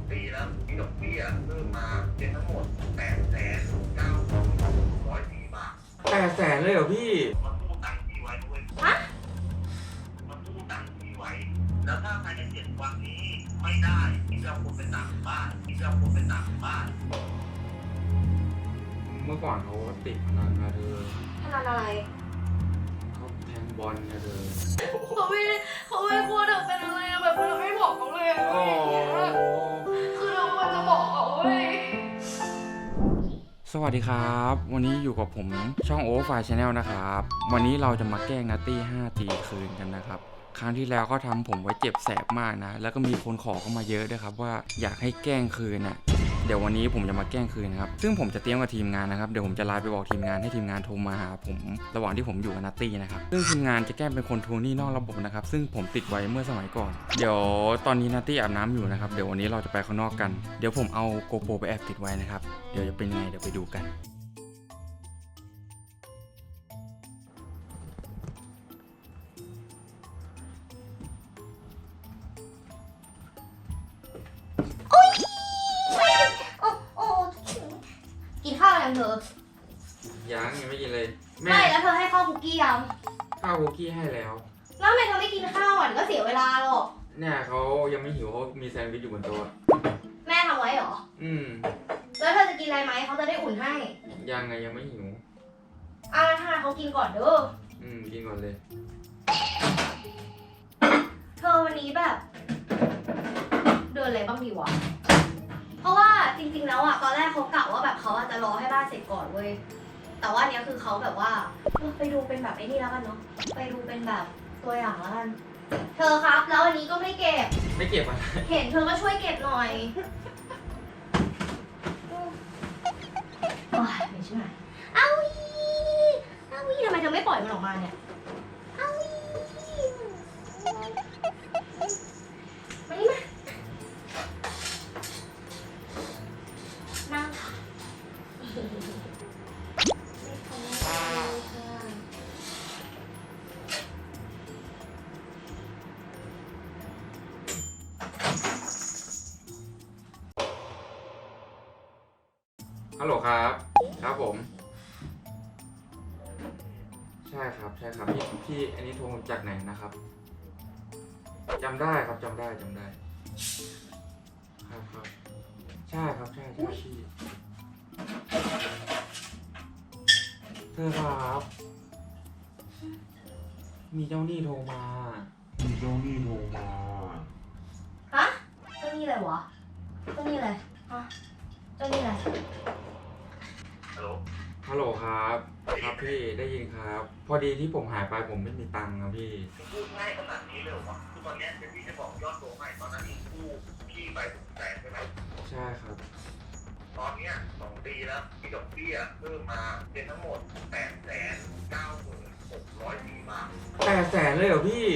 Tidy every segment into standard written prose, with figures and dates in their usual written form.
ปีแล้วมีดอกเบี้ยเพิ่มมาเป็นทั้งหมด8,9,104 บาท 800,000เลยเหรอพี่มันตู้ตังค์ที่ไว้ด้วยฮะมันตู้ตังค์ที่ไว้แล้วถ้าภายใน7 วันนี้ไม่ได้ที่เราควรไปตามบ้านเมื่อก่อนเขาติดพนันนะเธอพนันอะไรเขาแทงบอลนะเธอเขาไม่กลัวเธอเป็นอะไรอะแบบเราไม่บอกเขาเลยอะโอ้คือเราควรจะบอกเขาเว้ยสวัสดีครับ วันนี้อยู่กับผมช่องโอเวอร์ไฟล์ชาแนลนะครับ วันนี้เราจะมาแกล้งนัตตี้5 ตีคืนกันนะครับ ครั้งที่แล้วก็ทำผมไว้เจ็บแสบมากนะ แล้วก็มีคนขอเข้ามาเยอะด้วยครับว่าอยากให้แกล้งคืนน่ะ เดี๋ยววันนี้ผมจะมาแกล้งคืนนะครับ ซึ่งผมจะเตรียมกับทีมงานนะครับ เดี๋ยวผมจะไลน์ไปบอกทีมงานให้ทีมงานโทรมาหาผมระหว่างที่ผมอยู่กับนัตตี้นะครับ ซึ่งทีมงานจะแกล้งเป็นคนทวงหนี้นอกระบบนะครับ ซึ่งผมติดไว้เมื่อสมัยก่อน เดี๋ยวตอนนี้นัตตี้อาบน้ำอยู่นะครับ เดี๋ยววันนี้เราจะไปข้างนอกกัน เดี๋ยวผมเอาโกโปรไปแอบติดไว้นะครับ เดี๋ยวจะเป็นยังไงเดี๋ยวไปดูกันโอ้กินข้าวยังเธอยังไม่กินเลยไม่แล้วเธอให้ข้าวคุกกี้ยังข้าวคุกกี้ให้แล้วแล้วทำไมเธอไม่กินข้าวอ่ะก็เสียเวลาหรอกเนี่ยเขายังไม่หิวเขามีแซนด์วิชอยู่บนโต๊ะแม่ทำไว้เหรอ แล้วเธอจะกินอะไรไหมเขาจะได้อุ่นให้ยังไงยังไม่หิวถ้าเขากินก่อนเด้อกินก่อนเลยเธอวันนี้แบบ เดินอะไรบ้างดีวะ เพราะว่าจริงๆแล้วอ่ะตอนแรกเขากะว่าแบบเขาจะรอให้บ้านเสร็จก่อนเว้ย แต่ว่าเนี้ยคือเขาแบบว่าไปดูเป็นแบบไอ้นี่แล้วกันเนาะ ไปดูเป็นแบบตัวอย่างแล้วกัน เธอครับแล้ววันนี้ก็ไม่เก็บไม่เก็บอะไรเห็นเธอก็ช่วยเก็บหน่อยโอ้ยไม่ใช่เอาวีทำไมเธอไม่ปล่อยมันออกมาเนี่ยเอาวีมานี่มานั่งค่ะไม่ทำอะไรค่ะฮัลโหลครับ ครับผม ใช่ครับพี่อันนี้โทรจากไหนนะครับจำได้ครับจำได้ครับใช่ครับใช่พี่เธอครับ มีเจ้าหนี้โทรมาฮะเจ้านี่อะไรวะเจ้านี่อะไรฮะเจ้านี่อะไรฮัลโหลครับ ครับพี่ได้ยินครับ พอดีที่ผมหายไปผมไม่มีตังค์ครับพี่พูดง่ายขนาดนี้เลยเหรอวะคือตอนเนี้ยเดี๋ยวพี่จะบอกยอดโตัวใหม่ตอนนั้นที่กู้พี่ไป600,000ใช่ไหมใช่ครับตอนเนี้ย2 ปีแล้วมีดอกเบี้ยเพิ่มมาเป็นทั้งหมด8,9,604 บาท 800,000เลยเหรอพี่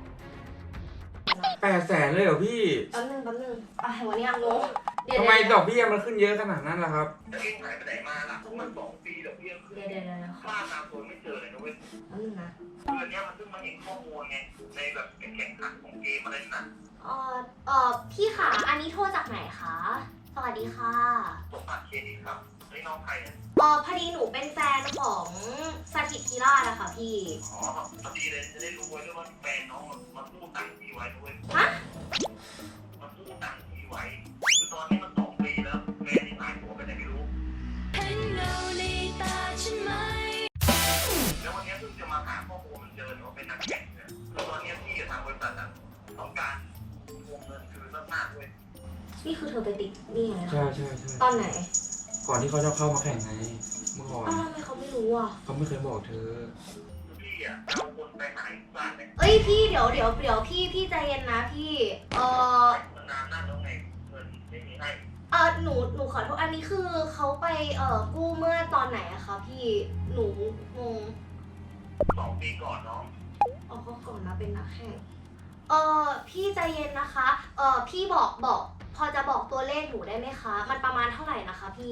800,000เลยเหรอพี่แป๊บนึงวันนี้งงทำไมดอกเบี้ยมันขึ้นเยอะขนาดนั้นล่ะครับแล้วเองหายไปไหนมาล่ะมัน2 ปีดอกเบี้ยขึ้นเดี๋ยวค่าตามตัวไม่เจอเลยนะเว้ยแป๊บนึงนะคืออันเนี้ยมันเพิ่งมาเห็นข้อมูลไงในแบบแข่งขันของเกมอะไรนั่นพี่ขาอันนี้โทรจากไหนคะ สวัสดีค่ะตัวบัตรเครดิตครับไอ้น้องใครเนี่ยพอดีหนูเป็นแฟนของสถิตทีราชนะคะพี่อ๋อพอดีเลยจะได้รู้ไว้ด้วยว่าแฟนน้องมันกู้ตังค์พี่ไว้ด้วยฮะมันกู้ตังค์พี่ไว้คือตอนนี้มัน2 ปีแล้วแฟนที่หายตัวไปไหนไม่รู้แล้ววันนี้เพิ่งจะมาหาข้อมูลมันเจอว่าเป็นนักแข่งเนี่ยคือตอนนี้พี่กับทางบริษัทต้องการทวงเงินคืนมากๆด้วยนี่คือเธอไปติดนี่ไงใช่ตอนไหนก่อนที่เขาจะเข้ามาแข่งไงเมื่อก่อนทำไมเขาไม่รู้อ่ะเขาไม่เคยบอกเธอคือพี่เอาคนไปหาอีกบ้านเนี่ยเอ้ยพี่เดี๋ยวพี่ใจเย็นนะพี่มันนานนั่นแล้วไงเงินไม่มีให้หนูขอโทษอันนี้คือเขาไปกู้เมื่อตอนไหนอะคะพี่หนูงง 2 ปีก่อนน้องเขาก่อนนะเป็นนักแข่งพี่ใจเย็นนะคะพี่บอกพอจะบอกตัวเลขหนูได้ไหมคะ มันประมาณเท่าไหร่นะคะพี่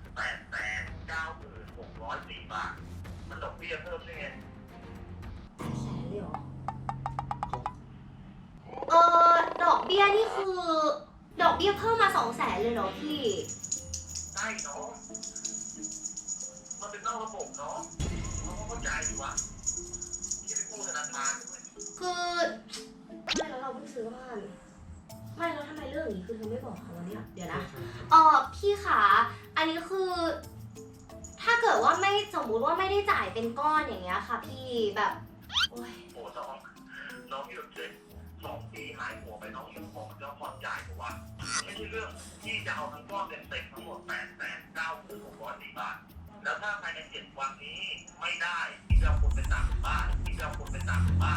8,9,604 บาทมันดอกเบี้ยเพิ่มด้วยไงแสนเลยเหรอดอกเบี้ยนี่คือดอกเบี้ยเพิ่มมา200,000เลยเหรอพี่ได้เนาะมันเป็นนอกระบบเนาะเราก็เข้าใจอยู่วะที่ไปกู้ธนาคารด้วยคือไม่แล้วเราเพิ่งซื้อบ้านไม่แล้วทำไมเรื่องนี้คือเธอไม่บอกเขาวะเนี่ยเดี๋ยวนะพี่ขาอันนี้คือ ถ้าเกิดว่าไม่สมมุติว่าไม่ได้จ่ายเป็นก้อนอย่างเงี้ยค่ะ พี่แบบโอ้ยโอ้น้องที่แบบเจ็บ2 ปีหายหัวไปน้องยังบอกจะผ่อนจ่ายผมว่าไม่ใช่เรื่องที่จะเอาทั้งก้อนเต็มทั้งหมด8,9,604 บาทแล้วถ้าภายใน7 วันนี้ไม่ได้ที่จะเอาคนไปตามบ้านที่จะเอาคนไปตามบ้าน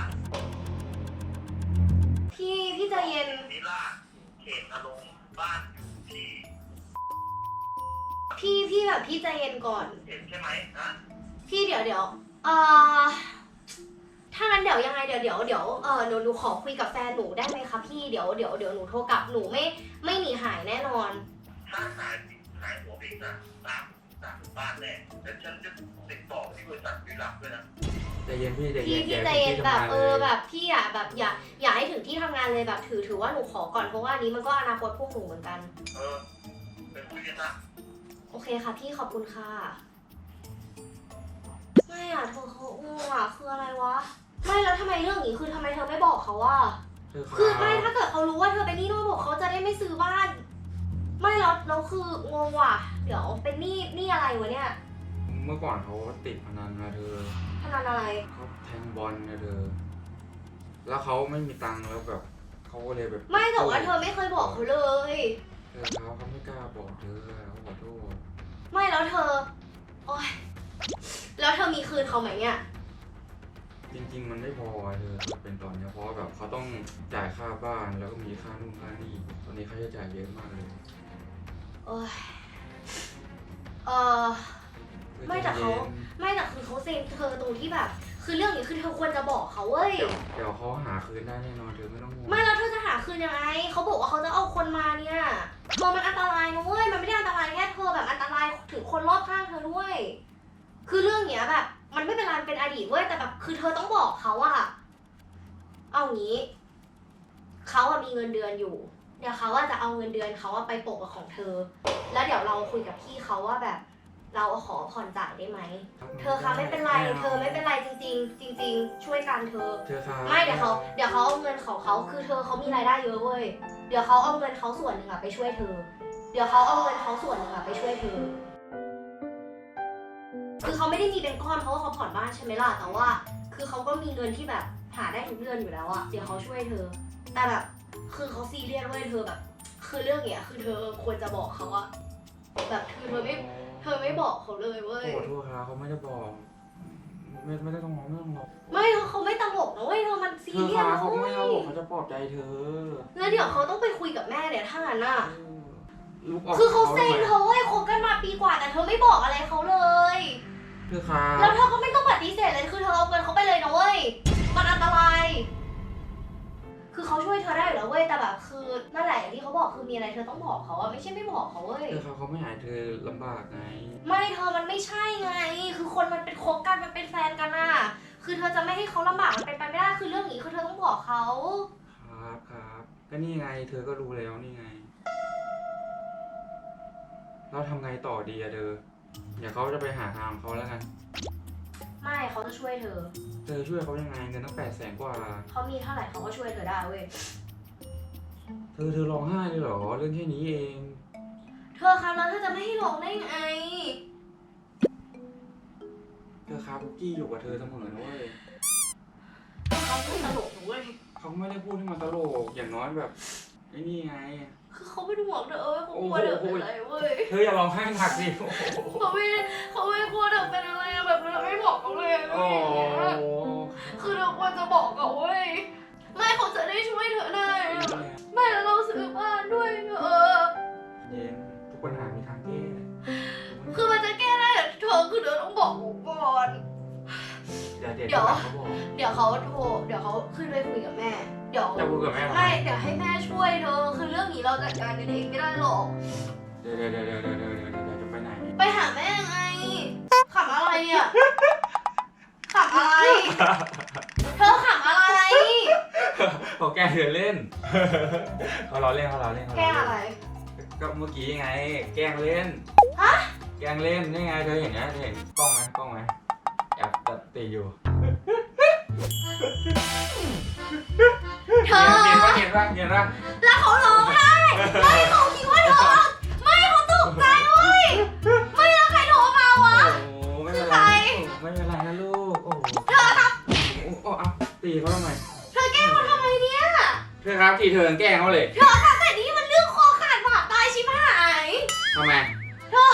พี่ใจเย็นนิราศเขตอารมณ์บ้านอยู่ที่พี่แบบพี่ใจเย็นก่อนเห็นใช่ไหมนะพี่เดี๋ยวถ้างั้นเดี๋ยวยังไงเดี๋ยวหนูขอคุยกับแฟนหนูได้ไหมคะพี่เดี๋ยวหนูโทรกลับหนูไม่หนีหายแน่นอนถ้าหายหัวอีกนะตามบ้านแน่แต่ฉันจะติดต่อที่บริษัทวิลักด้วยนะใจเย็นพี่ใจเย็นพี่ใจเย็นแบบแบบพี่อ่ะแบบอย่าให้ถึงที่ทำงานเลยแบบถือว่าหนูขอก่อนเพราะว่านี้มันก็อนาคตพวกหนูเหมือนกันเป็นคุยกันนะโอเคค่ะพี่ขอบคุณค่ะไม่อ่ะเธอเขางงอ่ะคืออะไรวะไม่แล้วทำไมเรื่องนี้คือทำไมเธอไม่บอกเขาว่าคือไม่ถ้าเกิดเขารู้ว่าเธอเป็นหนี้นอกระบบเขาจะได้ไม่ซื้อบ้าน ไม่แล้วคืองงว่ะเดี๋ยวเป็นหนี้อะไรวะเนี่ยเมื่อก่อนเขาติดพนันนะเธอพนันอะไรเขาแทงบอลนะเธอแล้วเขาไม่มีตังค์แล้วแบบเขาก็เลยแบบไม่แต่ว่าเธอไม่เคยบอกเขาเลยเธอเขาไม่กล้าบอกเธอเขาขอโทษไม่แล้วเธอโอ๊ยแล้วเธอมีคืนเขาไหมเนี่ยจริงๆมันไม่พอเธอเป็นตอนเนี้ยเพราะแบบเขาต้องจ่ายค่าบ้านแล้วก็มีค่านู่นค่านี่ตอนนี้เขาจะจ่ายเยอะมากเลยโอ๊ยไม่แต่คือเขาเซ็งเธอตรงที่แบบ คือเรื่องนี้คือเธอควรจะบอกเขาเว้ยเดี๋ยวเขาหาคืนได้แน่นอนเธอไม่ต้องห่วงไม่แล้วเธอจะหาคืนยังไงเขาบอกว่าเขาจะเอาคนมาเนี่ยเธอมันอันตรายนะเว้ยมันไม่ได้อันตรายแค่เธอแบบอันตรายถึงคนรอบข้างเธอด้วย คือเรื่องเนี้ยแบบ มันไม่เป็นไรเป็นอดีตเว้ยแต่แบบคือเธอต้องบอกเขาอะเอางี้เขาอะมีเงินเดือนอยู่เดี๋ยวเขาอะจะเอาเงินเดือนเขาอะไปโปะกับของเธอ แล้วเดี๋ยวเราคุยกับพี่เขาว่าแบบ เราขอผ่อนจ่ายได้ไหมเธอคะไม่เป็นไรเธอไม่เป็นไรจริงๆจริงๆช่วยกันเธอ ไม่เดี๋ยวเขาเอาเงินของเขาคือเธอเขามีรายได้เยอะเว้ยเดี๋ยวเขาเอาเงินเขาส่วนหนึ่งอะไปช่วยเธอ เดี๋ยวเขาเอาเงินเขาส่วนหนึ่งอะไปช่วยเธอ คือเขาไม่ได้มีเป็นก้อนเพราะว่าเขาผ่อนบ้านใช่ไหมล่ะแต่ว่า คือเขาก็มีเงินที่แบบหาได้ทุกเดือนอยู่แล้วอะเดี๋ยวเขาช่วยเธอ แต่แบบคือเขาซีเรียสเว้ยเธอแบบ คือเรื่องเนี้ยคือเธอควรจะบอกเขาอะแบบคือเธอไม่บอกเขาเลยเว้ยขอโทษครับเขาไม่ได้บอกไม่ได้ต้องร้องไม่ต้องร้องไม่เขาไม่ตลกนะเว้ยเธอมันซีเธอเรียสพานะเขาเว้ไม่ยเอาเขาจะปลอบใจเธอแล้วเดี๋ยวเขาต้องไปคุยกับแม่เนี่ยถ้างั้นน่ะลุกออกคือเขาเซ็งเธอเว้ยคบกันมาปีกว่าแต่เธอไม่บอกอะไรเขาเลยเธอครับแล้วเธอก็ไม่ต้องปฏิเสธเลยคือเธอเอาเงินเขาไปเลยนะเว้ยมันอันตรายคือเขาช่วยเธอได้อยู่แล้วเว้ยแต่แบบคือนั่นแหละอย่างที่เขาบอกคือมีอะไรเธอต้องบอกเขาอะไม่ใช่ไม่บอกเขาเว้ยเธอครับเขาไม่หายเธอลำบากไงไม่เธอมันไม่ใช่ไง คือคนมันเป็นคบกันมันเป็นแฟนกันอะคือเธอจะไม่ให้เขาลำบากมันเป็นไปไม่ได้คือเรื่องนี้คือเธอต้องบอกเขาครับก็นี่ไงเธอก็รู้แล้วนี่ไงเราทำไงต่อดีอะเธอเดี๋ยวเขาจะไปหาทางเขาแล้วกันไม่เขาจะช่วยเธอเธอช่วยเขายังไงเงินตั้ง800,000 กว่าเขามีเท่าไหร่เขาก็ช่วยเธอได้เว้ยเธอร้องไห้เลยเหรอเรื่องแค่นี้เองเธอครับแล้วเธอจะไม่ให้ลงได้ไงเธอครับคุกกี้อยู่กับเธอเสมอนะเว้ยเขาไม่ตลกนะเว้ยเขาไม่ได้พูดให้มันตลกอย่างน้อยแบบไอ้นี่ไงคือเขาเป็นห่วงเธอเว้ยเขากลัวเธอเป็นอะไรเว้ยเธออย่าร้องไห้หนักสิโอ้โหเขาไม่กลัวเธอเป็นอะไรอะแบบเธอไม่บอกเขาเลยอะไรโอ้อย่างเงี้ยโหคือเธอควรจะบอกเขาเว้ย ไม่เขาจะได้ช่วยเธอได้อะไม่แล้วเราซื้อบ้านด้วยเธอเย็นทุกปัญหามีทางแก้คือมันจะแก้ได้แต่เธอคือเธอต้องบอกหนูก่อนเดี๋ยวเดี๋เดี๋ยยว วเขาบอกเดี๋ยวเขาขึ้นไปคุยกับแม่ เดี๋ยวจะคุยกับแม่ทำไมไม่เดี๋ยวให้แม่ช่วยเธอ คือเรื่องนี้เราจัดการกันเองไม่ได้หรอกเดี๋ยวจะไปไหนไปหาแม่ไงขำอะไรเนี่ยขำอะไร เธอขำอะไรเขาแกล้งเธอเล่น เขาล้อเล่นเขาล้อเล่นเขาแกล้ออะไรเล่นก็เมื่อกี้ไง แกล้งเล่นฮะแกล้งเล่นนี่ไงเธอเห็นนะเธอเห็นกล้องไหมแอบตีอยู่เธอเห็นปะแล้วเขาร้องไห้ไม่เขาคิดว่าเธอไม่เขาตกใจเว้ยไม่แล้วใครโทรมาวะโอ้ไม่คืเป็อนไรใครไม่เป็นไรนะลูกโอ้เธอครับโอ้เอาตีเขาทำไมเธอแกล้งเขาทำไมเนี่ยเธอครับทีเธอแกล้งเขาเลยเธอครับแต่นี่มันเรื่องคอขาดบาดตายชิบหายทำไมเธอ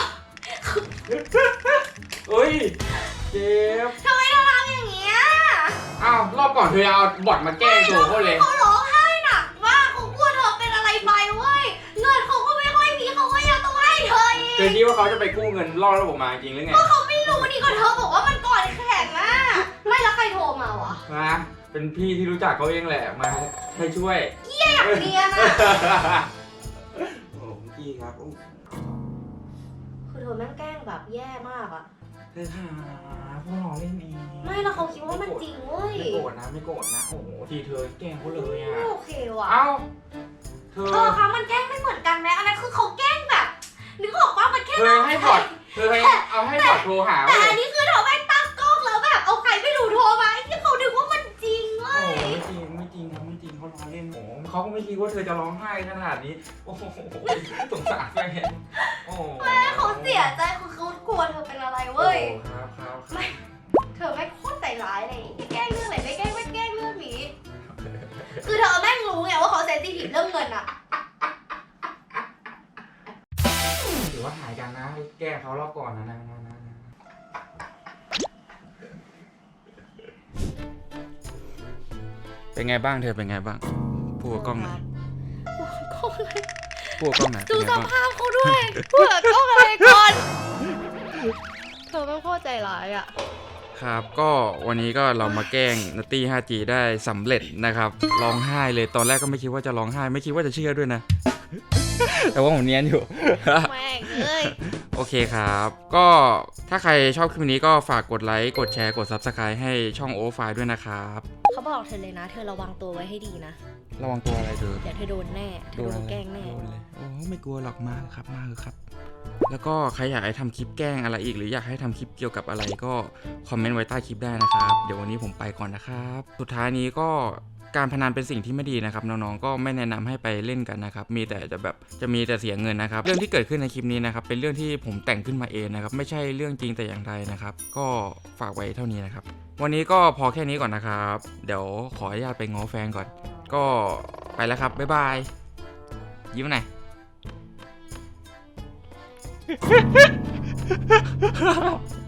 เฮ้ยเจ็บทำไมเธอทำอย่างเงี้ยอ้าวรอบก่อนเธอเอาบอทมาแกล้งตัวเขาเลยเขาร้องไห้หนักมากเขากลัวเธอเป็นอะไรไปเว้ยเงินเขาก็ไม่ค่อยมีเขาก็ยังต้องให้เธออีเธอก คิดว่าเขาจะไปกู้เงินล่อระบบมาจริงหรือไงก็เขาไม่รู้นี่ก็เธอบอกว่ามันก่อนแข่งอะไม่แล้วใครโทรมาวะนะเป็นพี่ที่รู้จักเขาเองแหละมาให้ช่วยอยากเรียนอะโอ้พี่ครับโอ้คือเธอแม่งแกล้งแบบแย่มากอะเธอหาพวกเราเล่นเองไม่แล้วเขาคิดว่ามันจริงเว้ยไม่โกรธนะไม่โกรธนะโอ้โหทีเธอแกล้งเขาเลยอ่ะไม่โอเคว่ะเอ้าเธอคะมันแกล้งไม่เหมือนกันไหมอันนั้นคือเขาแกล้งแบบนึกออกว่ามันแค่เธอให้บอทเธอให้เอาให้บอทโทรหาแต่เลอัยนนี้คือเธอไม่ตั้งกล้องแล้วแบบเอาใครไม่รู้โทรมาไอ้ที่เขาดึกว่ามันจริงเว้โอ้ยไม่จริงเขาล้อเล่นโอ้เขาก็ไม่คิดว่าเธอจะร้องไห้ขนาดนี้โอ้โหสงสารแฟนโอ้แม่เขาเสียใจคือเขากลัวเธอเป็นอะไรเว้ยครับเธอไม่โคตรใจร้ายเลยแกล้งเรื่องไหนไม่แกล้งไม่แกล้งเรื่องนี้ คือเธอแม่งรู้ไงว่าเขาเซนซิทีฟเรื่องเงินอะถือว่าหายกันนะแก้เขารอบก่อนนะเป็นไงบ้างเธอเป็นไงบ้างพูดกับกล้องหน่อยพูดกับกล้องหน่อยดูเป็นไงสบ้างภาพเขาด้วยเผื่อกล้องอะไรก่อน เธอไม่โคตรใจร้ายอะครับก็วันนี้ก็เรามาแกล้งนัตตี้ 5G ได้สำเร็จนะครับร้องไห้เลยตอนแรกก็ไม่คิดว่าจะร้องไห้ไม่คิดว่าจะเชื่อด้วยนะ แต่ว่าผมเนียนอยู่แม่งเอ้ยโอเคครับ ก็ถ้าใครชอบคลิปนี้ก็ฝากกดไลค์กดแชร์กด Subscribe ให้ช่องโอไฟด้วยนะครับเขาบอกเธอเลยนะ เธอระวังตัวไว้ให้ดีนะระวังตัวอะไรเธอเดี๋ยวเธอโดนแน่เธอโดนแกล้งแน่โดนเลยโอ้ไม่กลัวหรอกมากครับมาครับ แล้วก็ใครอยากให้ทำคลิปแกล้งอะไรอีกหรืออยากให้ทำคลิปเกี่ยวกับอะไรก็คอมเมนต์ไว้ใต้คลิปได้นะครับเดี๋ยววันนี้ผมไปก่อนนะครับสุดท้ายนี้ก็การพนันเป็นสิ่งที่ไม่ดีนะครับน้องๆก็ไม่แนะนำให้ไปเล่นกันนะครับมีแต่จะมีแต่เสียเงินนะครับเรื่องที่เกิดขึ้นในคลิปนี้นะครับเป็นเรื่องที่ผมแต่งขึ้นมาเองนะครับไม่ใช่เรื่องจริงแต่อย่างใดนะครับก็ฝากไว้เท่านี้นะครับวันนี้ก็พอแค่นี้ก่อนนะครับเดี๋ยวขออนุญาตไปง้อแฟนก่อนก็ไปแล้วครับบ๊ายบายยิ้มหน่อย